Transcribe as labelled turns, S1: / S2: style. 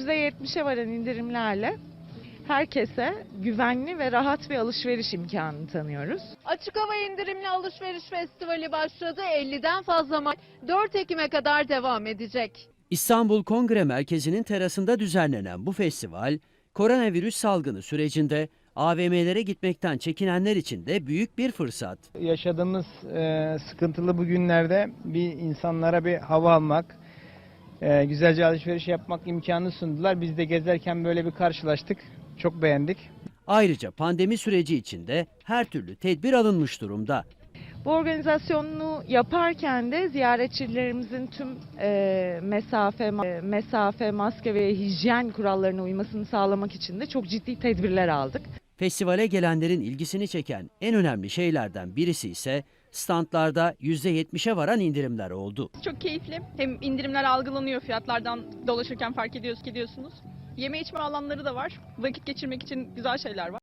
S1: %70'e varan indirimlerle herkese güvenli ve rahat bir alışveriş imkanı tanıyoruz.
S2: Açık hava indirimli alışveriş festivali başladı. 50'den fazla mal 4 Ekim'e kadar devam edecek.
S3: İstanbul Kongre Merkezi'nin terasında düzenlenen bu festival, koronavirüs salgını sürecinde AVM'lere gitmekten çekinenler için de büyük bir fırsat.
S4: Yaşadığımız sıkıntılı bu günlerde bir insanlara bir hava almak, güzelce alışveriş yapmak imkanı sundular. Biz de gezerken böyle bir karşılaştık. Çok beğendik.
S3: Ayrıca pandemi süreci içinde her türlü tedbir alınmış durumda.
S1: Bu organizasyonunu yaparken de ziyaretçilerimizin tüm mesafe, maske ve hijyen kurallarına uymasını sağlamak için de çok ciddi tedbirler aldık.
S3: Festivale gelenlerin ilgisini çeken en önemli şeylerden birisi ise standlarda %70'e varan indirimler oldu.
S5: Çok keyifli. Hem indirimler algılanıyor, fiyatlardan dolaşırken fark ediyorsunuz. Yeme içme alanları da var. Vakit geçirmek için güzel şeyler var.